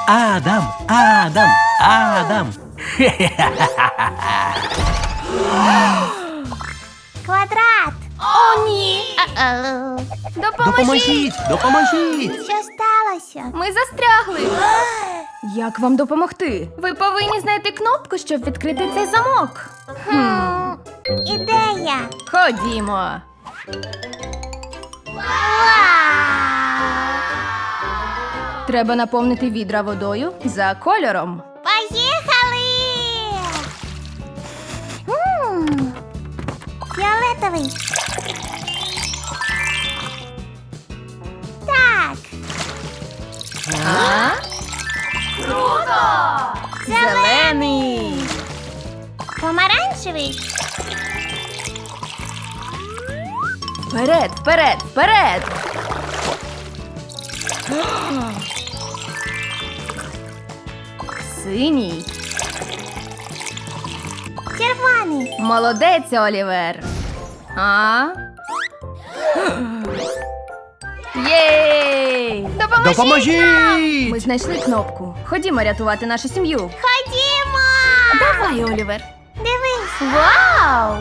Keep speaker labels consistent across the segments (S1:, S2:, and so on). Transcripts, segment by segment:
S1: Адам, Адам, Адам.
S2: Квадрат.
S3: О, ні!
S1: Допоможіть, допоможіть.
S2: Що сталося?
S3: Ми застрягли. Як вам допомогти? Ви повинні знайти кнопку, щоб відкрити цей замок.
S2: Ідея.
S3: Ходімо. Треба наповнити відра водою за кольором.
S2: Поїхали! Фіолетовий. Так.
S3: А? Круто! Зелений.
S2: Помаранчевий.
S3: Вперед, вперед, вперед! Синій.
S2: Червоний.
S3: Молодець, Олівер. А? Єй!
S1: Допоможіть!
S3: Ми знайшли кнопку. Ходімо рятувати нашу сім'ю.
S2: Ходімо!
S3: Давай, Олівер.
S2: Дивись.
S3: Вау!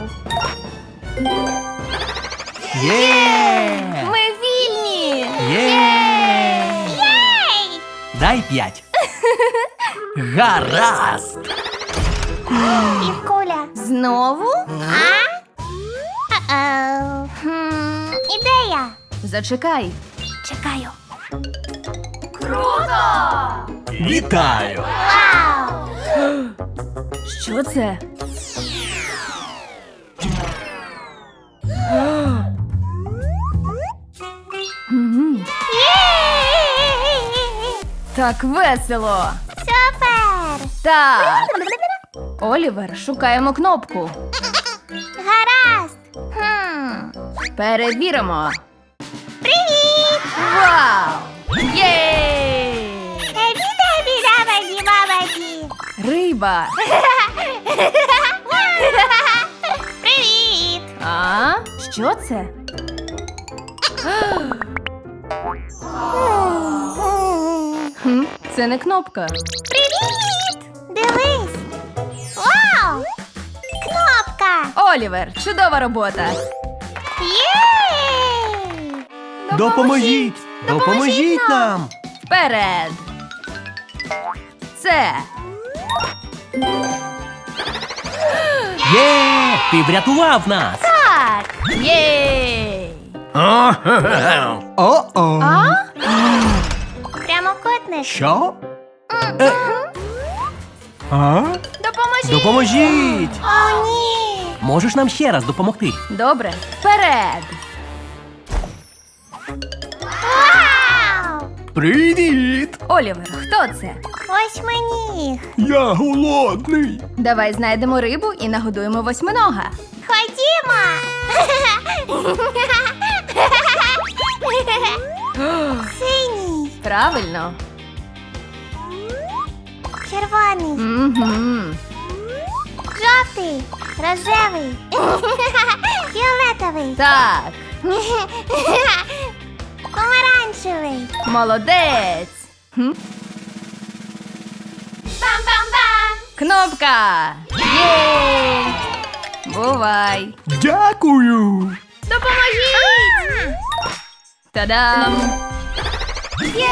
S1: Є!
S3: Ми вільні!
S1: Є!
S2: Єй!
S1: Дай 5. Гаразд!
S2: І куля.
S3: Знову?
S2: Ідея.
S3: Зачекай.
S2: Чекаю.
S1: Вітаю!
S2: Вау!
S3: Що це? Мгм. Так весело.
S2: Супер!
S3: Так. Олівер, шукаємо кнопку.
S2: Гаразд.
S3: Перевіримо.
S2: Привіт!
S3: Вау! Єй!
S2: Бабаді.
S3: Риба.
S2: Привіт!
S3: А? Що це? Хм, це не кнопка.
S2: Привіт! Дивись! Вау! Кнопка!
S3: Олівер, чудова робота.
S2: Єй!
S1: Допоможіть! Допоможіть нам!
S3: Вперед. Це.
S1: Є! Ти врятував нас!
S3: Так. Єй.
S1: О-о!
S3: А?
S2: Прямокутник.
S1: Що? А?
S3: Допоможіть.
S1: Допоможіть!
S2: О, ні!
S1: Можеш нам ще раз допомогти?
S3: Добре. Вперед.
S2: Вау!
S1: Привіт!
S3: Олівер, хто це?
S2: Восьминіг.
S1: Я голодний!
S3: Давай знайдемо рибу і нагодуємо восьминога.
S2: Ходімо! Синій.
S3: Правильно.
S2: Червоний.
S3: Угу.
S2: Жовтий. Рожевий. Фіолетовий.
S3: Так.
S2: Помаранчевий.
S3: Молодець. Хм?
S2: Бам-бам-бам!
S3: Кнопка. Єй. Бувай.
S1: Дякую!
S3: Допоможіть. Та-дам.
S2: Єй!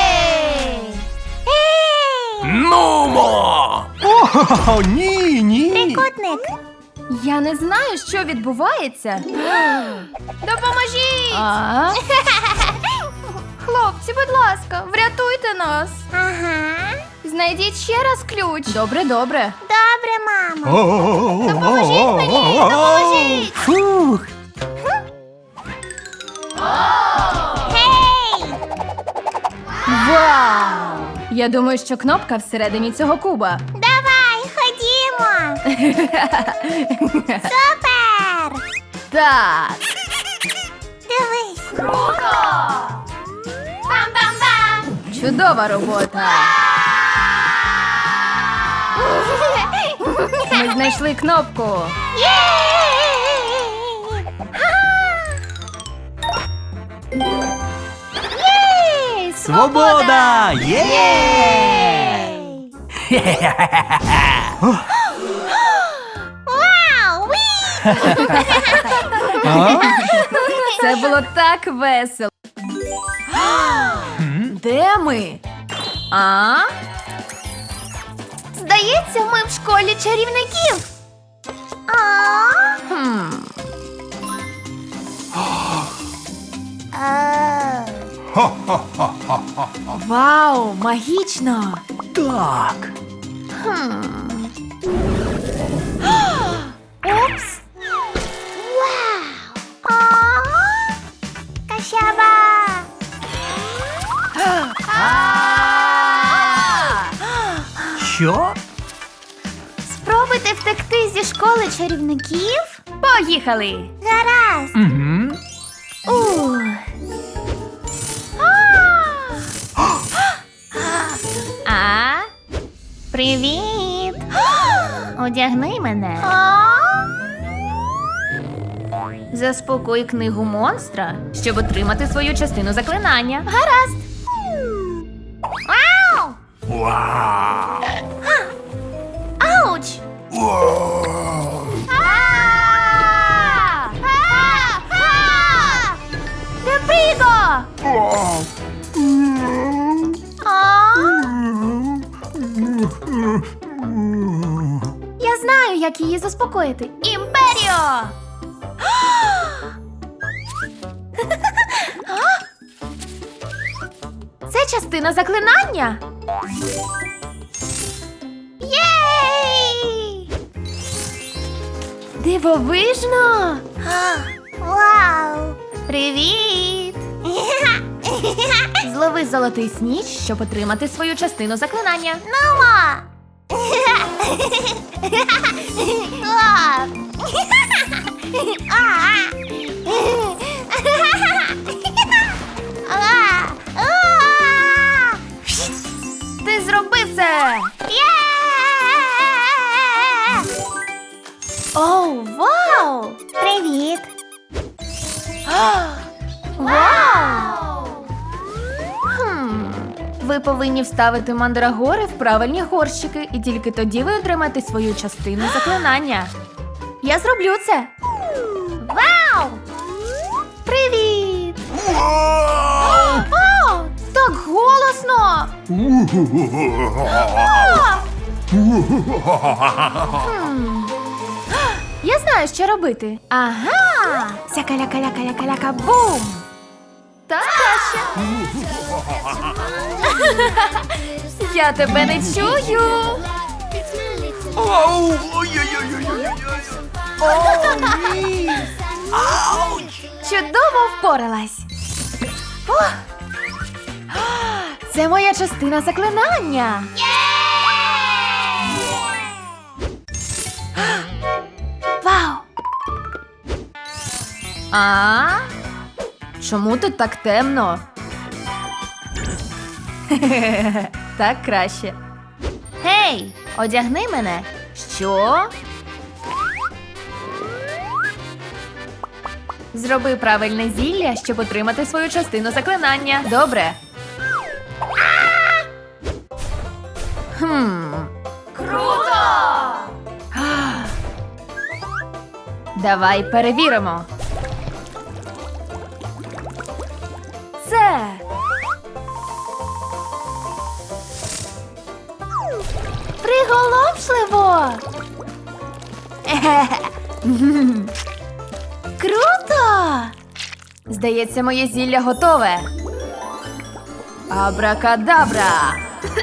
S2: Ей!
S1: Нумо! О, ні!
S2: Трикутник.
S3: Я не знаю, що відбувається. Допоможіть! А? Хлопці, будь ласка, врятуйте нас.
S2: Ага.
S3: Знайдіть ще раз ключ. Добре, добре.
S2: Добре, мамо.
S1: Допоможіть
S3: мені, допоможіть!
S1: Фух!
S2: Гей!
S3: Вау! Я думаю, що кнопка всередині цього куба.
S2: Давай, ходімо. Супер!
S3: Так.
S2: Дивись. Круто! Бам-бам-бам!
S3: Чудова робота. Ми знайшли кнопку. Єй!
S1: Свобода! Є!
S2: Вау! Уі!
S3: Це було так весело. Де ми? А? Здається, ми в школі чарівників.
S2: А?
S3: Хм. Вау, магічно.
S4: Так.
S3: Упс.
S2: Вау! А? Кащаба!
S4: Що?
S2: Спробуйте втекти зі школи чарівників?
S3: Поїхали.
S2: Гаразд!
S4: Угу.
S2: Ух!
S3: А?
S2: Привіт! Одягни мене.
S3: Заспокой книгу монстра, щоб отримати свою частину заклинання.
S2: Гаразд! Вау!
S1: Вау!
S2: Ауч!
S3: Де Пріго? Я знаю, як її заспокоїти. Імперіо! Це частина заклинання.
S2: Єй!
S3: Дивовижно!
S2: Вау!
S3: Привіт! Злови золотий сніч, щоб отримати свою частину заклинання.
S2: Нумо!
S3: Ти зробив це! Оу, вау!
S2: Привіт!
S3: Вау! Ви повинні вставити мандрагори в правильні горщики, і тільки тоді ви отримаєте свою частину заклинання. Я зроблю це. Вау! Привіт! О, так голосно! Я знаю, що робити. Ага! Сяка-ляка-ляка-ляка-ляка-бум! Так краще. Я тебе не чую.
S1: Оу! Ой-ой-ой-ой-ой-ой!
S3: Чудово впоралась. О! Це моя частина заклинання. Вау! А? Чому тут так темно? Так краще. Гей, одягни мене. Що? Зроби правильне зілля, щоб отримати свою частину заклинання. Добре. Круто! Давай перевіримо. Це. Приголомшливо. Круто! Здається, моє зілля готове. Абракадабра!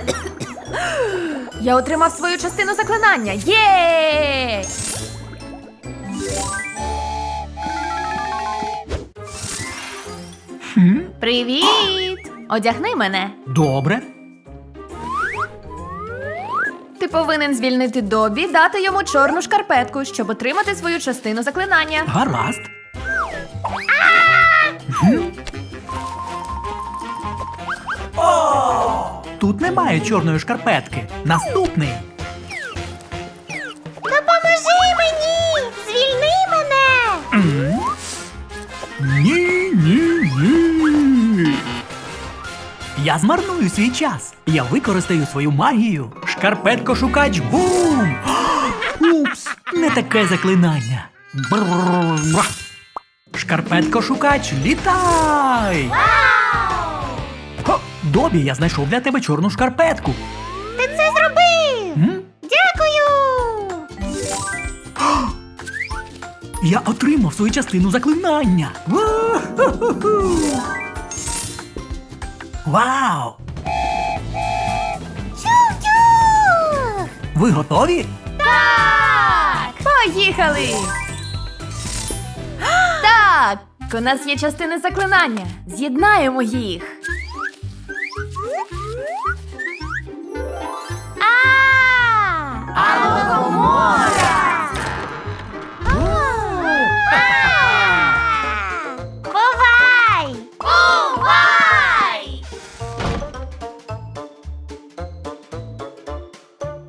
S3: Я отримав свою частину заклинання. Єй! Привіт! Одягни мене.
S4: Добре.
S3: Ти повинен звільнити Добі, дати йому чорну шкарпетку, щоб отримати свою частину заклинання.
S4: Гаразд. Тут немає чорної шкарпетки. Наступний.
S2: Допоможи мені! Звільни мене!
S4: Ні, ні, ні. Я змарную свій час. Я використаю свою магію, Шкарпетко-шукач бум! Упс, не таке заклинання. Бррррррр. Шкарпетко-шукач, літай! Хо, Добі, я знайшов для тебе чорну шкарпетку.
S2: Ти це зробив!
S4: М?
S2: Дякую!
S4: Я отримав свою частину заклинання. Ву-ху-ху-ху. Вау!
S2: Чух-чух!
S4: Ви готові?
S3: Так! Поїхали! Так! У нас є частини заклинання. З'єднаємо їх.